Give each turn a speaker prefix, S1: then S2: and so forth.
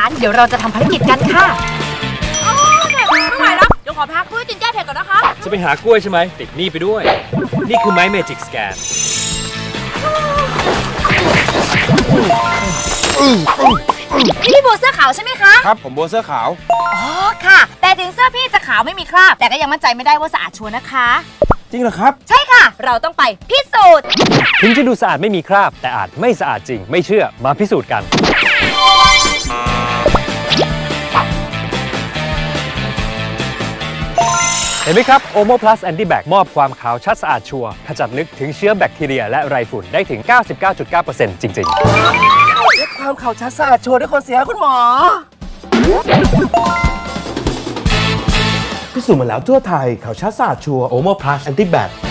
S1: านเดี๋ยวเราจะทำภารกิจกันค่ะ
S2: ไม่ไหวแล้วเดี๋ยวขอพักเพื่อกินแก้เผ็ดก่อนนะคะ
S3: จะไปหากล้วยใช่ไหมติดนี่ไปด้วยนี่คือไม้เมจิกสแกน
S1: พี่บัวเสื้อขาวใช่ไหมคะ
S4: ครับผมบัวเสื้อขาว
S1: อ๋อค่ะแต่ถึงเสื้อพี่จะขาวไม่มีคราบแต่ก็ยังมั่นใจไม่ได้ว่าสะอาดชัวร์นะคะ
S4: จริงเหรอครับ
S1: ใช่ค่ะเราต้องไปพิสูจน์
S3: ถึงจะดูสะอาดไม่มีคราบแต่อาจไม่สะอาดจริงไม่เชื่อมาพิสูจน์กันเห็นไหมครับ Omo Plus Anti Bac มอบความขาวชัดสะอาดชัวร์ขจัดลึกถึงเชื้อแบคทีเรียและไรฝุ่นได้ถึง 99.9% จริงๆ
S4: เช็คความขาวชัดสะอาดชัวร์ด้วยคนเสียคุณหมอพิสูจน์มาแล้วทั่วไทยขาวชัดสะอาดชัวร์ Omo Plus Anti Bac